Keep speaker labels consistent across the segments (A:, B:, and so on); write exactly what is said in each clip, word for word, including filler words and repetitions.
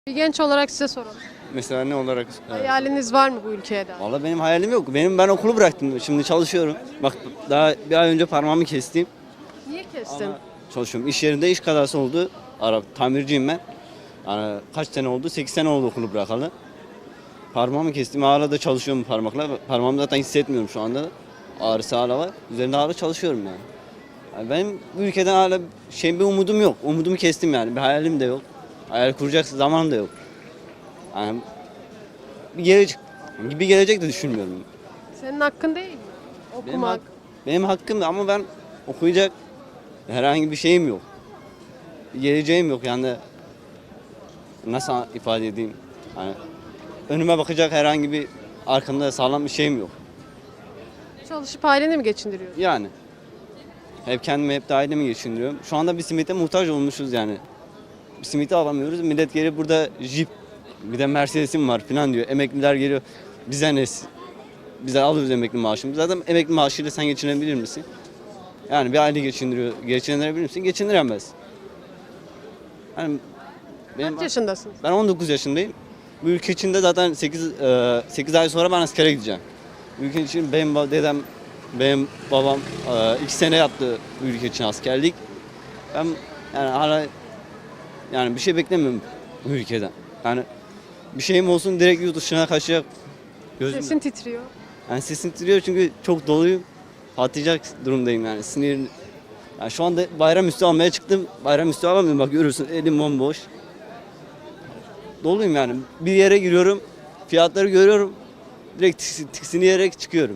A: Bir genç olarak size soralım.
B: Mesela ne olarak?
A: Hayaliniz var mı bu ülkeye dair?
B: Valla benim hayalim yok. Benim ben okulu bıraktım. Şimdi çalışıyorum. Bak daha bir ay önce parmağımı kestim.
A: Niye kestin?
B: Ama çalışıyorum. İş yerinde iş kazası oldu. Arap tamirciyim ben. Yani kaç sene oldu? sekiz sene oldu okulu bırakalı. Parmağımı kestim. Hala da çalışıyorum parmakla. Parmağımı zaten hissetmiyorum şu anda. Ağrısı hala var. Üzerinde hala çalışıyorum yani. Yani benim bu ülkeden hala şey bir umudum yok. Umudumu kestim yani. Bir hayalim de yok. Hayal kuracak zamanım da yok. Yani bir gelecek, bir gelecek de düşünmüyorum.
A: Senin hakkın değil mi?
B: Benim,
A: Okumak.
B: hak, benim hakkım ama ben okuyacak herhangi bir şeyim yok. Bir geleceğim yok yani. Nasıl ifade edeyim? Yani önüme bakacak herhangi bir arkamda sağlam bir şeyim yok.
A: Çalışıp aileni mi geçindiriyorsun?
B: Yani hep kendimi hep de ailemi geçindiriyorum. Şu anda bir simite muhtaç olmuşuz yani. Bir simiti alamıyoruz. Millet geliyor burada Jeep, bir de Mercedes'im var falan diyor. Emekliler geliyor. Bize ne? Bize alıyoruz emekli maaşımızı. Zaten emekli maaşıyla sen geçinebilir misin? Yani bir aile geçindiriyor. Geçindirebilir misin? Geçindiremez. Yani benim,
A: Kaç yaşındasın?
B: ben on dokuz yaşındayım. Bu ülke içinde zaten sekiz, sekiz ay sonra ben askere gideceğim. Bu ülke için benim dedem, benim babam iki sene yaptı bu ülke için askerlik. Ben yani hala yani bir şey beklemiyorum bu ülkeden. Yani bir şeyim olsun direkt yurt dışına kaçacak gözüm.
A: Sesin titriyor.
B: Yani sesim titriyor çünkü çok doluyum. Patlayacak durumdayım yani sinir. Yani şu anda bayramüstü almaya çıktım. Bayramüstü alamıyorum bak görürsün elim bomboş. Doluyum yani. Bir yere giriyorum. Fiyatları görüyorum. Direkt tiks- tiksiniyerek çıkıyorum.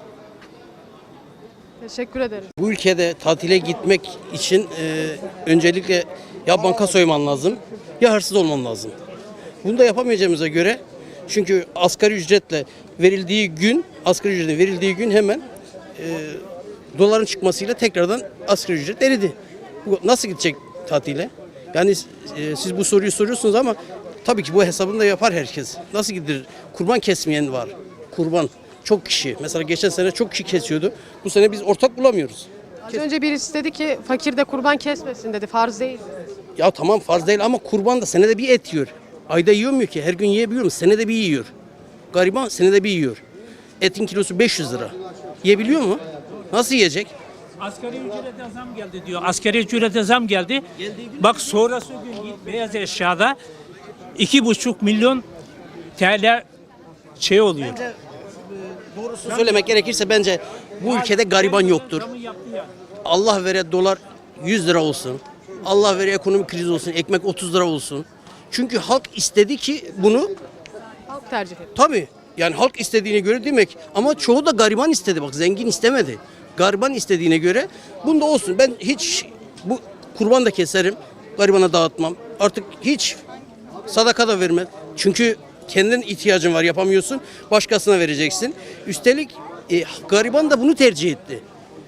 A: Teşekkür ederim.
C: Bu ülkede tatile gitmek için e, öncelikle ya banka soyman lazım ya hırsız olman lazım. Bunu da yapamayacağımıza göre çünkü asgari ücretle verildiği gün, asgari ücretin verildiği gün hemen e, doların çıkmasıyla tekrardan asgari ücret eridi. Bu nasıl gidecek tatile? Yani e, siz bu soruyu soruyorsunuz ama tabii ki bu hesabını da yapar herkes. Nasıl gidilir? Kurban kesmeyen var. Kurban. Çok kişi. Mesela geçen sene çok kişi kesiyordu. Bu sene biz ortak bulamıyoruz.
A: Az önce birisi dedi ki fakir de kurban kesmesin dedi. Farz değil.
C: Ya tamam farz değil ama kurban da senede bir et yiyor. Ayda yiyor ki? Her gün yiyebiliyor mu? Senede bir yiyor. Gariban senede bir yiyor. Etin kilosu beş yüz lira. Yiyebiliyor mu? Nasıl yiyecek?
D: Asgari ücrete zam geldi diyor. Asgari ücrete zam geldi. Bak sonrası gün git beyaz eşyada iki buçuk milyon T L şey oluyor.
C: Bence e, doğrusunu söylemek gerekirse bence bu ülkede gariban yoktur. Allah vere dolar yüz lira olsun. Allah vere ekonomik kriz olsun. Ekmek otuz lira olsun. Çünkü halk istedi ki bunu
A: Halk tercih ediyor.
C: tabii yani halk istediğine göre demek ama çoğu da gariban istedi bak zengin istemedi. Gariban istediğine göre bunda olsun. Ben hiç bu kurban da keserim. Garibana dağıtmam. Artık hiç sadaka da vermem. Çünkü kendin ihtiyacın var yapamıyorsun. Başkasına vereceksin. Üstelik e, gariban da bunu tercih etti.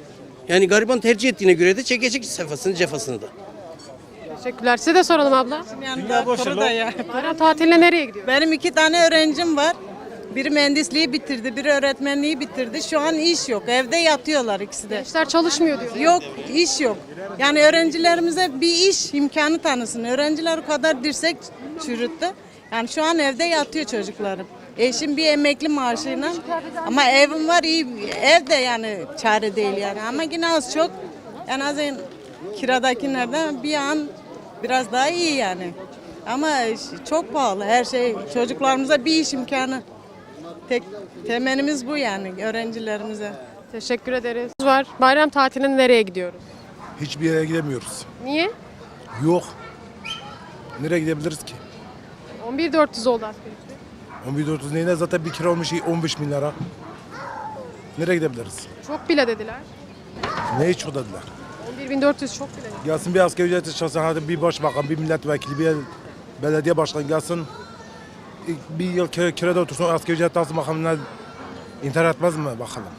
C: Yani gariban tercih ettiğine göre de çekecek sefasını cefasını da.
A: Teşekkürler. Size de soralım abla.
E: Dünya boşu da ya.
A: Bayram tatiline nereye gidiyor?
E: Benim iki tane öğrencim var. Biri mühendisliği bitirdi, biri öğretmenliği bitirdi. Şu an iş yok. Evde yatıyorlar ikisi de.
A: Gençler çalışmıyor diyor.
E: Yok, iş yok. Yani öğrencilerimize bir iş imkanı tanısın. Öğrenciler o kadar dirsek çürüttü. Yani şu an evde yatıyor çocuklarım. Eşim bir emekli maaşıyla ama evim var iyi. Ev de yani çare değil yani. Ama yine az çok en azından kiradakilerden bir an biraz daha iyi yani. Ama çok pahalı her şey. Çocuklarımıza bir iş imkanı. Tek temelimiz bu yani öğrencilerimize.
A: Teşekkür ederiz. Var. Bayram tatiline nereye gidiyoruz?
F: Hiçbir yere gidemiyoruz.
A: Niye?
F: Yok. Nereye gidebiliriz ki?
A: on bir bin dört yüz oldu asgari ücret.
F: on bir dört yüz neyine zaten bir kira olmuş on beş bin lira. Nereye gidebiliriz?
A: Çok bile dediler.
F: Ne hiç o dediler.
A: on bir bin dört yüz çok bile dediler.
F: Gelsin bir asgari ücretli çalışan hadi bir başbakan, bir milletvekili, bir belediye başkanı gelsin. Bir yıl kira, kirada otursun asgari ücret alsın bakalım ne intihar etmez mi bakalım.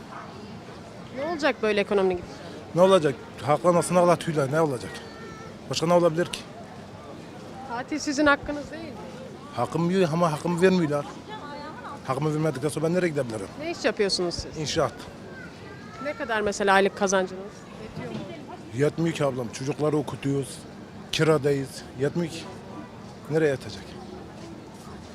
A: Ne olacak böyle ekonomi gibi?
F: Ne olacak? Halkla nasıl ağlatıyorlar ne olacak? Başka ne olabilir ki?
A: Tatil sizin hakkınız değil mi?
F: Hakkımı yiyor ama hakkımı vermiyorlar. Hakkımı vermedikten sonra ben nereye gidebilirim?
A: Ne iş yapıyorsunuz siz?
F: İnşaat.
A: Ne kadar mesela aylık kazancınız? Yetiyor mu?
F: Yetmiyor ki ablam. Çocukları okutuyoruz. Kiradayız. Yetmiyor ki. Nereye yatacak?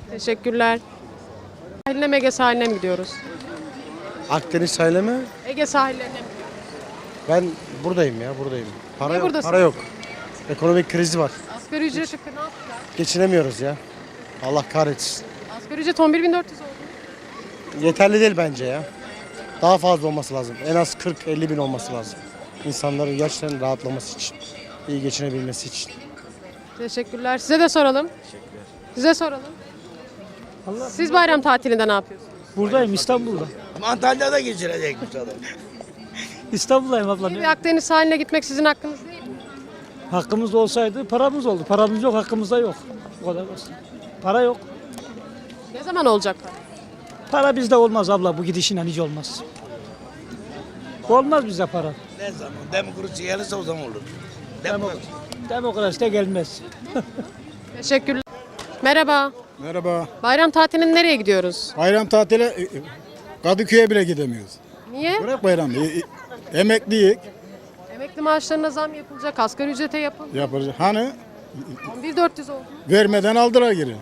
A: Teşekkürler. Sahiline mi Ege sahiline mi gidiyoruz?
G: Akdeniz sahile mi?
A: Ege sahillerine mi?
G: Ben buradayım ya buradayım. Para
A: Niye
G: yok,
A: buradasın?
G: para yok. Ekonomik krizi var.
A: Asgari ücreti ne yaptılar?
G: Geçinemiyoruz ya. Allah kahretsin.
A: Asgari ücret on bir bin dört yüz oldu.
G: Yeterli değil bence ya. Daha fazla olması lazım. En az kırk elli bin olması lazım. İnsanların gerçekten rahatlaması için. İyi geçinebilmesi için.
A: Teşekkürler. Size de soralım. Size soralım. Siz bayram tatilinde ne yapıyorsunuz?
H: Buradayım İstanbul'da.
I: Antalya'da geçirecekmiş adam.
H: İstanbul'dayım abla.
A: Bir Akdeniz sahiline gitmek sizin hakkınız değil mi?
H: Hakkımız olsaydı paramız oldu. Paramız yok, hakkımızda yok. O kadar basit. Para yok.
A: Ne zaman olacak?
H: Para bizde olmaz abla. Bu gidişinle hiç olmaz. Olmaz bize para.
I: Ne zaman demokrasi gelirse o zaman olur. Demokrasi.
H: Demokrasi de gelmez.
A: Teşekkürler. Merhaba.
J: Merhaba.
A: Bayram tatilinde nereye gidiyoruz?
J: Bayram tatile e, e, Kadıköy'e bile gidemiyoruz.
A: Niye?
J: Bırak bayramı. E, e, Emekliyik.
A: Emekli maaşlarına zam yapılacak, asgari ücrete yapılacak.
J: Yapacak. Hani
A: on bir bin dört yüz oldu.
J: vermeden aldıra geri.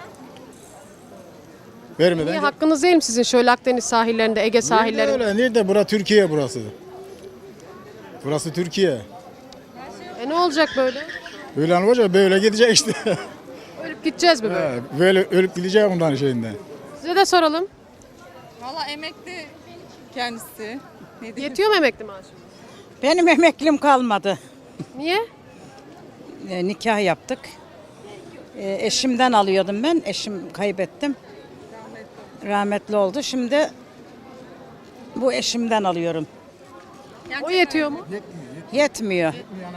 J: Vermeden.
A: Niye hakkınız değil mi sizin şöyle Akdeniz sahillerinde, Ege
J: Nerede
A: sahillerinde?
J: öyle? Nerede? Burası Türkiye burası. Burası Türkiye.
A: E ne olacak böyle?
J: Böyle olacak böyle gidecek işte.
A: Ölüp gideceğiz mi böyle?
J: He, böyle ölüp gidecek ondan şeyinden.
A: Size de soralım.
E: Valla emekli kendisi. Ne
A: Yetiyor mu emekli maaşı?
E: Benim emeklim kalmadı.
A: Niye?
E: E, nikah yaptık. E, eşimden alıyordum ben. Eşim kaybettim. Rahmetli oldu. Şimdi bu eşimden alıyorum.
A: O yetiyor mu?
E: Yetmiyor.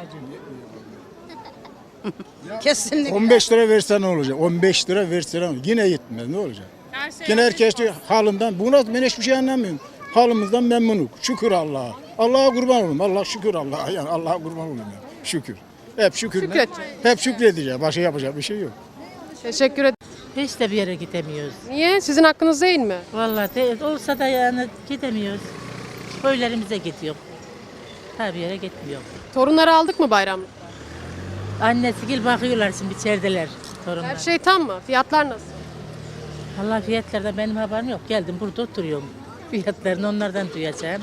E: Kesinlikle.
J: on beş lira versen ne olacak? on beş lira versen ne olacak? Yine yetmez ne olacak? Yine herkes diyor halinden. Buna ben hiçbir şey anlamıyorum. Halimizden memnunuk. Şükür Allah'a. Allah'a kurban olayım. Allah şükür Allah'a. Yani Allah'a kurban olayım. Yani. Şükür. Hep şükür.
A: Şükredeceğiz.
J: Hep şükredeceğiz. Başka yapacak bir şey yok.
A: Teşekkür ederim.
K: Hiç de bir yere gidemiyoruz.
A: Niye? Sizin hakkınız değil mi?
K: Vallahi de, olsa da yani gidemiyoruz. Köylerimize gidiyor. Tabii yere gitmiyor.
A: Torunları aldık mı bayramlık?
K: Annesi gel bakıyorlar şimdi içerideler torunlar.
A: Her şey tam mı? Fiyatlar nasıl?
K: Vallahi fiyatlardan benim haberim yok. Geldim burada oturuyorum. Fiyatlarını onlardan duyacağım.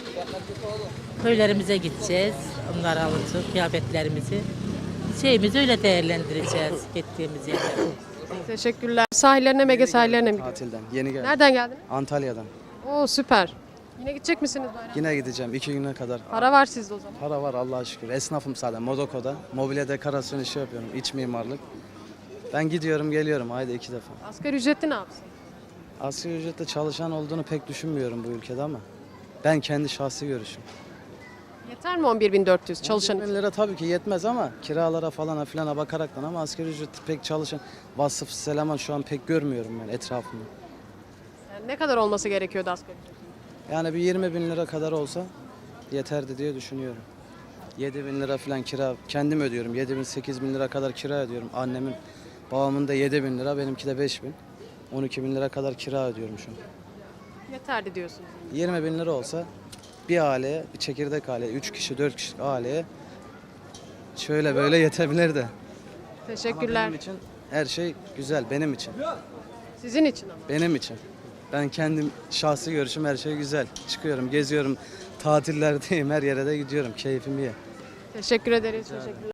K: Köylerimize gideceğiz. Onları alacağız, kıyafetlerimizi. Şeyimizi öyle değerlendireceğiz gittiğimiz yerlerde.
A: Teşekkürler. Sahillerine mi Ege sahillerine mi gidiyorsunuz?
L: Tatilden. Yeni geldim.
A: Nereden geldiniz?
L: Antalya'dan.
A: Oo süper. Yine gidecek misiniz bayram?
L: Yine gideceğim iki güne kadar.
A: Para var sizde o zaman.
L: Para var Allah'a şükür. Esnafım zaten Modoko'da. Mobilya dekorasyon işi yapıyorum. İç mimarlık. Ben gidiyorum geliyorum ayda iki defa.
A: Asgari ücretli ne yapsın?
L: Asgari ücretle çalışan olduğunu pek düşünmüyorum bu ülkede ama ben kendi şahsi görüşüm.
A: Yeter mi on bir bin dört yüz çalışan
L: on bin
A: için?
L: lira tabii ki yetmez ama kiralara falan filana bakaraktan ama asgari ücret pek çalışan vasıfsız eleman şu an pek görmüyorum ben etrafımda.
A: Yani ne kadar olması gerekiyordu asgari ücret?
L: Yani bir yirmi bin lira kadar olsa yeterdi diye düşünüyorum. yedi bin lira falan kira kendim ödüyorum. yedi bin sekiz bin lira kadar kira ödüyorum. Annemin, babamın da yedi bin lira, benimki de beş bin. on iki bin lira kadar kira ödüyorum şu an.
A: Yeterli diyorsunuz.
L: yirmi bin lira olsa bir aileye, bir çekirdek aileye, üç kişi, dört kişi aileye şöyle böyle yetebilir de. Ama
A: Teşekkürler.
L: benim için her şey güzel, benim için.
A: Sizin için ama.
L: Benim için. Ben kendim şahsi görüşüm her şey güzel. Çıkıyorum, geziyorum, tatillerdeyim, her yere de gidiyorum. Keyfim iyi.
A: Teşekkür ederiz. Teşekkürler.